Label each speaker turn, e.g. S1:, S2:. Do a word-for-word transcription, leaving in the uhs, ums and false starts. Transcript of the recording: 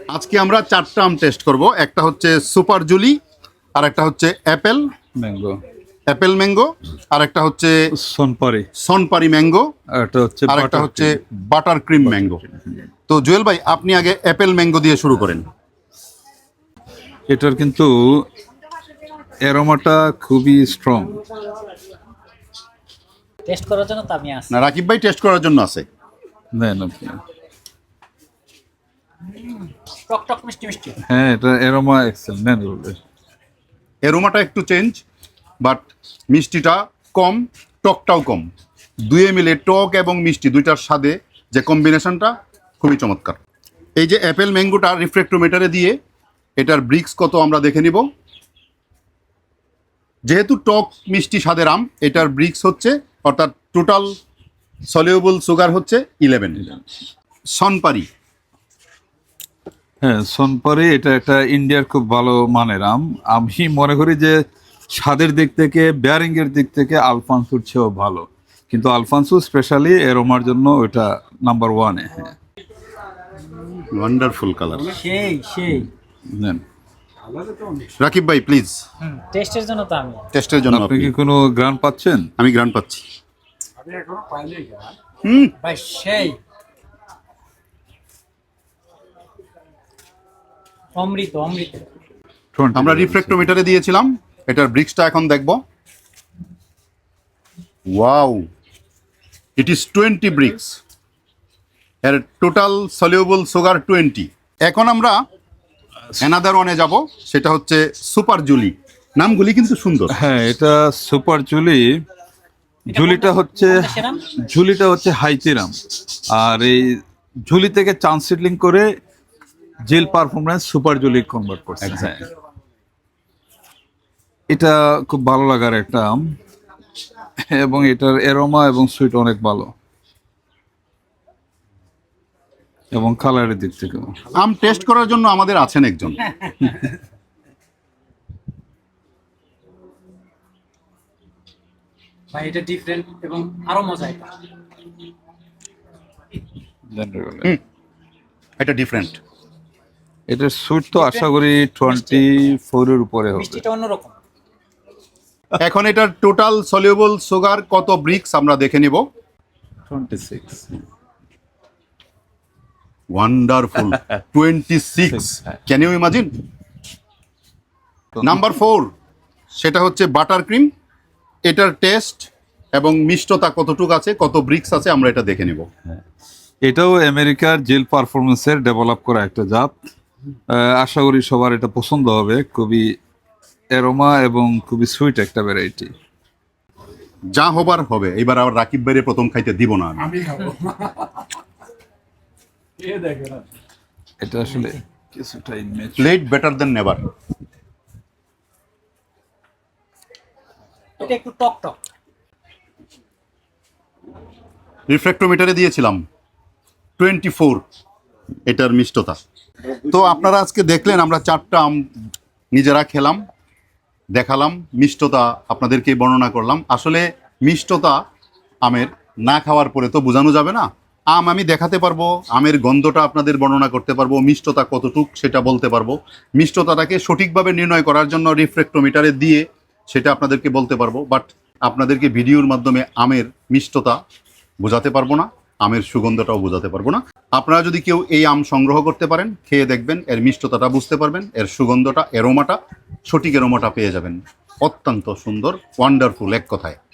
S1: আজকে আমরা চারটা আম টেস্ট করব। একটা হচ্ছে সুপার জুলি, আর একটা হচ্ছে অ্যাপেল
S2: ম্যাঙ্গো,
S1: অ্যাপেল ম্যাঙ্গো, আর একটা হচ্ছে
S2: সোনপারি,
S1: সনপারি ম্যাঙ্গো,
S2: আর একটা হচ্ছে
S1: আর একটা হচ্ছে বাটার ক্রিম ম্যাঙ্গো। তো জুয়েল ভাই, আপনি আগে অ্যাপেল ম্যাঙ্গো দিয়ে শুরু করেন।
S2: এটার কিন্তু অ্যারোমাটা খুবই স্ট্রং।
S3: টেস্ট করার জন্য তো আমি আসি।
S1: না, রাকিব ভাই টেস্ট করার জন্য আছে।
S2: দেন আপনি।
S3: টক টক মিষ্টি মিষ্টি।
S2: হ্যাঁ, এটা অ্যারোমা এক্সেল। নেন বলবে
S1: এরোমাটা একটু চেঞ্জ, বাট মিষ্টিটা কম, টকটাও কম। দুয়ে মিলে টক এবং মিষ্টি দুইটার স্বাদে যে কম্বিনেশনটা খুবই চমৎকার। এই যে অ্যাপেল ম্যাঙ্গোটা রিফ্র্যাক্টোমিটারে দিয়ে এটার ব্রিক্স কত আমরা দেখে নিব। যেহেতু টক মিষ্টি স্বাদের আম, এটার ব্রিক্স হচ্ছে, অর্থাৎ টোটাল সলিউবল সুগার হচ্ছে ইলেভেন। সনপারি,
S2: হ্যাঁ, সোনপারি এটা একটা ইন্ডিয়ার খুব ভালো মানের আম। আমি মনে করি যে স্বাদের দিক থেকে, বেয়ারিং এর দিক থেকে আলফানসোর চেয়েও ভালো, কিন্তু আলফানসো স্পেশালি এরোমার জন্য ওইটা নাম্বার ওয়ানে। হ্যাঁ,
S1: ওয়ান্ডারফুল কালার।
S3: সেই সেই
S2: নেন।
S1: রাকিব ভাই প্লিজ,
S3: টেস্টের জন্য তো আমি।
S1: টেস্টের জন্য
S2: আপনি
S1: আপনি।
S2: কি কোনো গ্রান পাচ্ছেন?
S1: আমি গ্রান্ট পাচ্ছি। হুম,
S3: ভাই সেই অমৃত অমৃত।
S1: আমরা রিফ্র্যাক্টোমিটারে দিয়েছিলাম, এটার ব্রিক্সটা এখন দেখব। Wow, it is twenty brix. এর টোটাল সলিউবল সুগার টোয়েন্টি। এখন আমরা অ্যানাদার ওয়ানে যাব, সেটা হচ্ছে সুপার জুলি। নামগুলি কিন্তু সুন্দর।
S2: হ্যাঁ, এটা সুপার জুলি। ঝুলিটা হচ্ছে
S3: সেরাম
S2: ঝুলিটা হচ্ছে হাইতিরাম, আর এই ঝুলি থেকে চান্স সিডলিং করে জেল পারফরমেন্স সুপার জুলি কনভার্ট করছে। হ্যাঁ, এটা খুব ভালো লাগার একটা আম, এবং এটার এরোমা এবং সুইট অনেক ভালো, এবং কালারের দিক থেকে
S1: আম টেস্ট করার জন্য আমাদের আছেন একজন।
S3: ভাই এটা ডিফারেন্ট এবং আরো মজা এটা।
S1: হুম, এটা ডিফারেন্ট।
S2: এটার সুইট তো আশা করি টোয়েন্টি ফোরের উপরে হবে।
S3: মিষ্টিটা অন্যরকম।
S1: এখন এটার টোটাল সলিউবল সুগার কত ব্রিক্স আমরা দেখে নিব।
S2: Twenty six.
S1: Wonderful, twenty six. Can you imagine? Number four, সেটা হচ্ছে বাটার ক্রিম। এটার টেস্ট এবং মিষ্টতা কতটুকু আছে, কত ব্রিক্স আছে, আমরা এটা দেখে নেব।
S2: এটাও আমেরিকার জেল পারফরমেন্সের ডেভেলপ করা একটা জাত। আহ, আশা করি সবার এটা পছন্দ হবে। খুবই অ্যারোমা এবং খুবই সুইট একটা ভ্যারাইটি।
S1: যা হবার হবে। এবার আবার রাকিব ভাইরে প্রথম খাইতে দিব না আমি।
S2: এটা আসলে কিছুটা immature।
S1: Let better then never.
S3: এটা একটু টক টক।
S1: রিফ্র্যাক্টোমিটারে দিয়েছিলাম টোয়েন্টি ফোর এটার মিষ্টতা। তো আপনারা আজকে দেখলেন আমরা চারটা আম নিজেরা খেলাম, দেখালাম, মিষ্টতা আপনাদেরকে বর্ণনা করলাম। আসলে মিষ্টতা আমের না খাওয়ার পরে তো বোঝানো যাবে না। আম আমি দেখাতে পারবো, আমের গন্ধটা আপনাদের বর্ণনা করতে পারবো, মিষ্টতা কতটুক সেটা বলতে পারবো। মিষ্টতাটাকে সঠিকভাবে নির্ণয় করার জন্য রিফ্র্যাক্টোমিটারে দিয়ে সেটা আপনাদেরকে বলতে পারবো। বাট আপনাদেরকে ভিডিওর মাধ্যমে আমের মিষ্টতা বোঝাতে পারবো না, আমের সুগন্ধটাও বোঝাতে পারবো না। আপনারা যদি কেউ এই আম সংগ্রহ করতে পারেন, খেয়ে দেখবেন, এর মিষ্টতাটা বুঝতে পারবেন, এর সুগন্ধটা, এরোমাটা, সঠিক এরোমাটা পেয়ে যাবেন। অত্যন্ত সুন্দর, ওয়ান্ডারফুল এক কথায়।